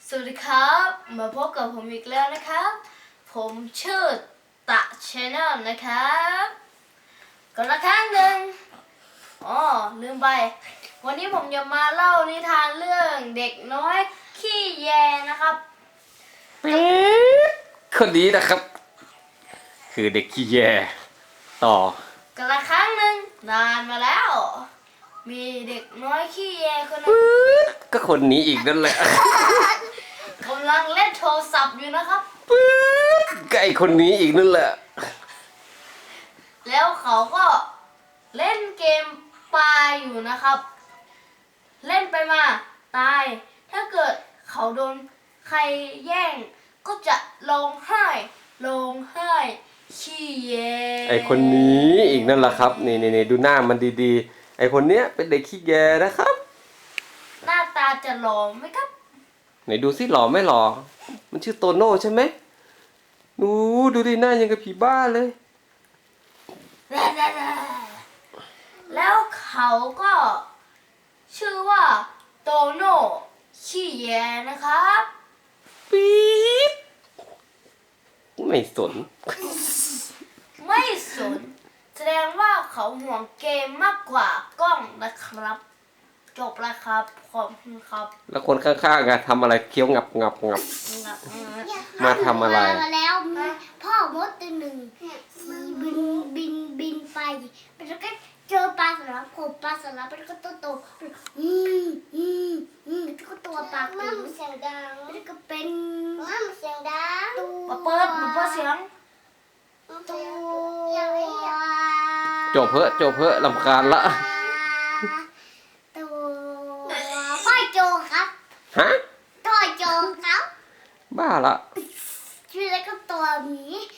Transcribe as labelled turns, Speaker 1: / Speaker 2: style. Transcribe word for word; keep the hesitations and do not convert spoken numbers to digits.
Speaker 1: สวัสดีครับมาพบกับผมอีกแล้วนะครับ ผมชื่อตะชแนลนะครับก็ละครั้งหนึ่งอ๋อลืมไปวันนี้ผมจะมาเล่านิทานเรื่องเด็กน้อยขี้แยนะครับ
Speaker 2: คนนี้นะครับ คือเด็กขี้แยต่อ
Speaker 1: ก็ละครั้งหนึ่งนานมาแล้ว มีเด็กน้อยขี้แยคนหนึง
Speaker 2: ก็คนนี้อีกนั่นแหละ
Speaker 1: กำลังเล่นโทรศัพท์อยู่นะครับ
Speaker 2: ก็ไอคนนี้อีกนั่นแหละ
Speaker 1: แล้วเขาก็เล่นเกมปลาอยู่นะครับ เล่นไปมาตาย ถ้าเกิดเขาโดนใครแย่ง ก็จะร้องไห้ร้องไห้ขี้แย
Speaker 2: ไอคนนี้อีกนั่นแหละครับนี่นี่ดูหน้ามันดีๆไอคนเนี้ยเป็นเด็กขี้แยนะครับ
Speaker 1: หน้าตาจะหล่อไหมครับ
Speaker 2: ไหนดูสิหล่อไม่หล่อมันชื่อโตโน่ใช่ไหมดูดูดิหน้ายังกับผีบ้าเลย
Speaker 1: แล้วเขาก็ชื่อว่าโตโน่ขี้แยนะครับ
Speaker 2: ปี๊ดไม่สน
Speaker 1: ไม่สนแสดงว่าเขาห่วงเกมมากกว่ากล้องนะครับ จบแล้วครับขอบคุณครับ
Speaker 2: แล้วคนข้างๆอะทำอะไรเคี้ยวงับงับงับ มาทำอะไร
Speaker 3: มาแล้วพ่อมดตัวหนึ่งบินบินบินไปแล้วก็เจอปลาสลับผมปลาสลับแล้วก็ตัวโตอืมอืมอืมแล้วก็ตัวปลาติ๋วเสียงดังแล้วก็เป็นมั่มเสียงดัง
Speaker 1: มาเปิดมาเปิดเสียง
Speaker 3: ตัว
Speaker 2: จบเพอะจบเพอะลำคาญละ
Speaker 3: ตัวพ่อโจครับ
Speaker 2: ฮะ
Speaker 3: พ่อโจครับ
Speaker 2: บ้าละ
Speaker 3: ชื่อแล้วก็ตัวหมี